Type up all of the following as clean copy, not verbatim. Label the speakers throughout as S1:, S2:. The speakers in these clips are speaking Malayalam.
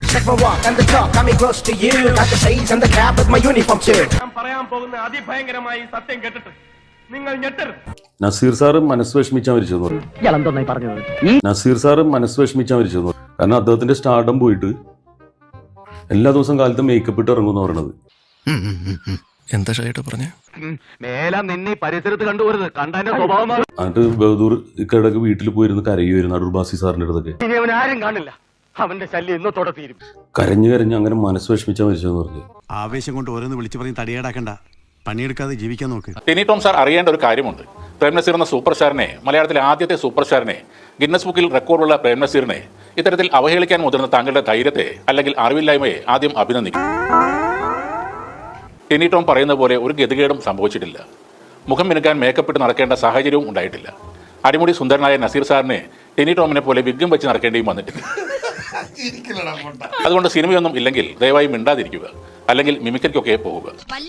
S1: Check my walk and the talk, got me close to you. Got the shades and the cap with my uniform too.
S2: ഞാൻ പറയാൻ പോകുന്ന അതിഭയങ്കരമായി സത്യം കേട്ടിട്ട് നിങ്ങൾ ഞെട്ടരുത്.
S3: നസീർ സാറ് മനസ്സ് വിഷമിച്ചാ മരിച്ചെന്ന് പറഞ്ഞു. നസീർ സാറ് മനസ്സ് വിഷമിച്ചാ മരിച്ചെന്ന് പറഞ്ഞു. കാരണം അദ്ദേഹത്തിന്റെ സ്റ്റാർഡം പോയിട്ട് എല്ലാ ദിവസവും കാലത്ത് മേക്കപ്പ് ഇട്ട് ഇറങ്ങുമെന്ന് പറയണത്.
S4: എന്താ ഷൈട്ട് പറഞ്ഞേ?
S2: മേലാ നിന്നെ പരിസരത്ത് കണ്ടുപോരുത്, കണ്ടതിന്റെ സ്വഭാവം.
S3: എന്നിട്ട് ബഹദൂർ ഇക്കടക്ക് വീട്ടിൽ പോയിരുന്ന് കരയുമായിരുന്നു അടൂർ ബാസി സാറിന്റെ അടുത്തൊക്കെ.
S2: ഇനി അവൻ ആരും കാണില്ല, അവന്റെ ശല്യം ഇന്നത്തോടെ തീരും.
S3: കരഞ്ഞ് അങ്ങനെ മനസ്സ് വിഷമിച്ചാ മരിച്ചെന്ന് പറഞ്ഞു.
S5: ആവേശം കൊണ്ട് ഓരോന്ന് വിളിച്ചു പറഞ്ഞ് തടിയേടാക്കണ്ട, പണിയെടുക്കാതെ ജീവിക്കാൻ നോക്ക്.
S6: ടിനി ടോം സാർ അറിയേണ്ട ഒരു കാര്യമുണ്ട്. പ്രേം നസീർ എന്ന സൂപ്പർ സ്റ്റാറിനെ, മലയാളത്തിലെ ആദ്യത്തെ സൂപ്പർ സ്റ്റാറിനെ, ഗിന്നസ് ബുക്കിൽ റെക്കോർഡുള്ള പ്രേം നസീറിനെ ഇത്തരത്തിൽ അവഹേളിക്കാൻ മുതിർന്ന താങ്കളുടെ ധൈര്യത്തെ അല്ലെങ്കിൽ അറിവില്ലായ്മയെ ആദ്യം അഭിനന്ദിക്കും. ടിനി ടോം പറയുന്ന പോലെ ഒരു ഗതികേടും സംഭവിച്ചിട്ടില്ല. മുഖം മിനുക്കാൻ മേക്കപ്പ് ഇട്ട് നടക്കേണ്ട സാഹചര്യവും ഉണ്ടായിട്ടില്ല. അടിമുടി സുന്ദരനായ നസീർ സാറിനെ ടിനി ടോമിനെ പോലെ വിഗ്ഗം വെച്ച് നടക്കേണ്ടിയും വന്നിട്ടില്ല. അതുകൊണ്ട് സിനിമയൊന്നും ഇല്ലെങ്കിൽ ദയവായി മിണ്ടാതിരിക്കുക, അല്ലെങ്കിൽ മിമിക്രിക്കൊക്കെ പോവുക.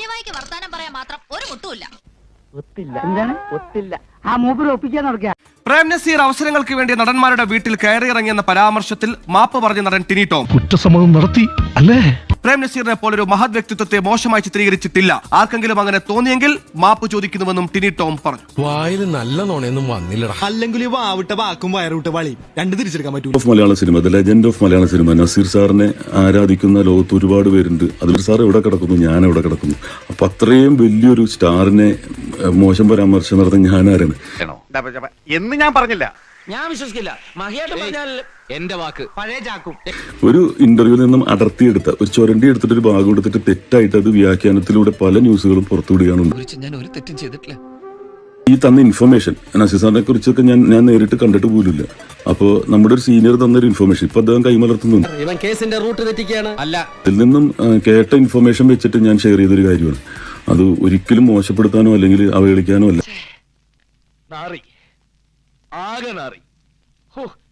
S7: പ്രേം നസീർ അവസരങ്ങൾക്ക് വേണ്ടി നടന്മാരുടെ വീട്ടിൽ കയറിയിറങ്ങിയെന്ന പരാമർശത്തിൽ മാപ്പ് പറഞ്ഞ നടൻ ടിനി ടോം
S4: കുറ്റസമ്മതം നടത്തി അല്ലേ?
S7: പ്രേം നസീറിനെ പോലൊരു മഹത് വ്യക്തിത്വത്തെ മോശമായി ചിത്രീകരിച്ചിട്ടില്ല. ആർക്കെങ്കിലും അങ്ങനെ തോന്നിയെങ്കിൽ മാപ്പ് ചോദിക്കുന്നുവെന്നും ടിനി ടോം പറഞ്ഞു.
S4: വായിൽ നല്ല നോണയൊന്നും വന്നില്ലടാ.
S5: അല്ലെങ്കിൽ വാവിട്ട വാക്കും വയറുവിട്ട വളി രണ്ട് തിരിച്ചെടുക്കാൻ പറ്റൂ.
S3: Of Malayala cinema, the legend of Malayala cinema. Nazir സാറിനെ ആരാധിക്കുന്ന ലോകത്ത് ഒരുപാട് പേരുണ്ട്. അതിൽ സാർ എവിടെ കിടക്കുന്നു, ഞാൻ എവിടെ കിടക്കുന്നു. അപ്പൊ അത്രയും വലിയൊരു സ്റ്റാറിനെ മോശം പരാമർശം നടത്തുന്ന ഞാനാരാണ്
S2: എന്ന് ഞാൻ പറഞ്ഞില്ല.
S8: ഞാൻ വിശ്വസിക്കില്ല. മഹിയായിട്ട് പറഞ്ഞാൽ എന്റെ വാക്ക് പഴയ ചാക്കും.
S3: ഒരു ഇന്റർവ്യൂവിൽ നിന്നും അടർത്തിയെടുത്ത ഒരു ചുരണ്ടി എടുത്തിട്ട് ഒരു ഭാഗം എടുത്തിട്ട് തെറ്റായിട്ട് അത് വ്യാഖ്യാനത്തിലൂടെ പല ന്യൂസുകളും പുറത്തുവിടുകയാണുണ്ട്.
S8: ഞാൻ ഒരു തെറ്റും ചെയ്തിട്ടില്ല.
S3: ഈ തന്ന ഇൻഫർമേഷൻ നസീർ സാറിനെ കുറിച്ചൊക്കെ ഞാൻ നേരിട്ട് കണ്ടിട്ട് പോലുമില്ല. അപ്പോൾ നമ്മുടെ ഒരു സീനിയർ തന്നൊരു ഇൻഫർമേഷൻ ഇപ്പൊ അദ്ദേഹം കൈമലർത്തുന്നുണ്ട്.
S8: ഇവൻ കേസിന്റെ റൂട്ട് തെറ്റിക്കുകയാണ്. അല്ല,
S3: ഇതിൽ നിന്നും കേട്ട ഇൻഫർമേഷൻ വെച്ചിട്ട് ഞാൻ ഷെയർ ചെയ്തൊരു കാര്യമാണ്. അത് ഒരിക്കലും മോശപ്പെടുത്താനോ അല്ലെങ്കിൽ അവഹേളിക്കാനോ അല്ല.
S2: നാറി, ആകെ നാറി.